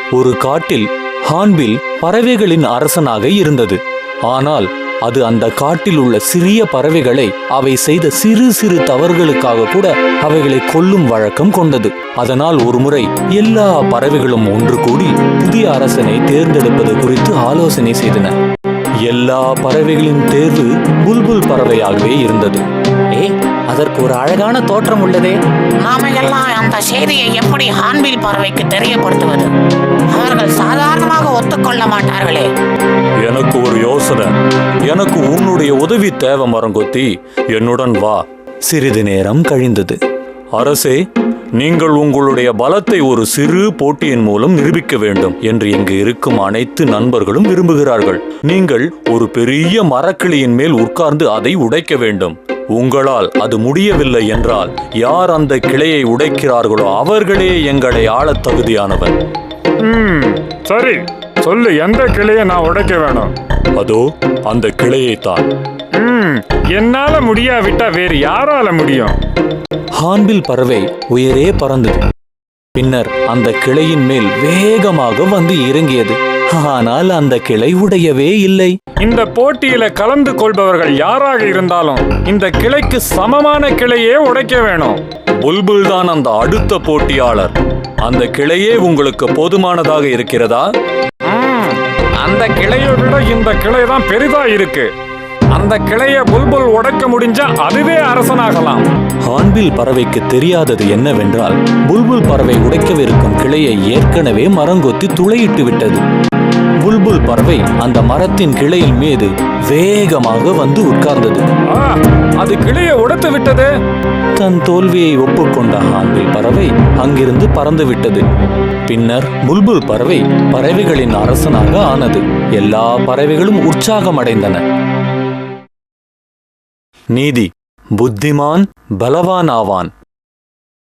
ஒரு காட்டில் ஹார்ன்பில் பறவைகளின் அரசனாக இருந்தது. ஆனால் அது அந்த காட்டில் உள்ள சிறிய பறவைகளை அவை செய்த சிறு சிறு தவறுகளுக்காக கூட அவைகளை கொல்லும் வழக்கம் கொண்டது. அதனால் ஒருமுறை எல்லா பறவைகளும் ஒன்று கூடி புதிய அரசனை தேர்ந்தெடுப்பது குறித்து ஆலோசனை செய்தன. எல்லா பறவைகளின் தேர்வு புல்புல் பறவையாகவே இருந்தது. அதற்கு ஒரு அழகான தோற்றம் உள்ளதே. நாம எல்லாம் அந்த செய்தியை எப்படி ஹார்ன்பில் பறவைக்கு தெரியப்படுத்துவது? அவர்கள் சாதாரணமாக ஒத்துக்கொள்ள மாட்டார்களே. எனக்கு ஒரு யோசனை. எனக்கு உன்னுடைய உதவி தேவை மரங்கொத்தி. என்னுடன் வா. சிறிது நேரம் கழிந்தது. அரசே, நீங்கள் உங்களுடைய பலத்தை ஒரு சிறு போட்டியின் மூலம் நிரூபிக்க வேண்டும் என்று இங்கு இருக்கும் அனைத்து நண்பர்களும் விரும்புகிறார்கள். நீங்கள் ஒரு பெரிய மரக்கிளையின் மேல் உட்கார்ந்து அதை உடைக்க வேண்டும். உங்களால் அது முடியவில்லை என்றால் யார் அந்த கிளையை உடைக்கிறார்களோ அவர்களே எங்களை ஆளத் தகுதியானவர். சரி, சொல்லு, எந்த கிளையை நான் உடைக்க வேணும்? அதோ அந்த கிளையைத்தான். என்னால முடியாவிட்டா வேறு யாரால முடியும்? ஹார்ன்பில் பறவை உயரே பறந்தது. பின்னர் அந்த கிளையின் மேல் வேகமாக வந்து இறங்கியது. ஆனால் அந்த கிளை உடையவே இல்லை. இந்த போட்டியில கலந்து கொள்பவர்கள் யாராக இருந்தாலும் இந்த கிளைக்கு சமமான கிளையே உடைக்க வேணும். புல்புல் தான் அந்த அடுத்த போட்டியாளர். அந்த கிளையே உங்களுக்கு போதுமானதாக இருக்கிறதா? அந்த கிளையை விட இந்த கிளை தான் பெரிதா இருக்கு. அந்த கிளையை புல்புல் உடைக்க முடிஞ்சா அதுவே அரசனாகலாம். ஹார்ன்பில் பறவைக்கு தெரியாதது என்னவென்றால் புல்புல் பறவை உடைக்கவிருக்கும் கிளையை ஏற்கனவே மரங்கொத்தி துளையிட்டு விட்டது. புல்புல் பறவை அந்த மரத்தின் கிளையின் மீது வேகமாக வந்து உட்கார்ந்தது. அது கிளையை உடைத்து விட்டது. தன் தோல்வியை ஒப்புக்கொண்ட ஹார்ன்பில் பறவை அங்கிருந்து பறந்து விட்டது. பின்னர் புல்புல் பறவை பறவைகளின் அரசனாக ஆனது. எல்லா பறவைகளும் உற்சாகம் அடைந்தன. நீதி: புத்திமான் பலவான் ஆவான்.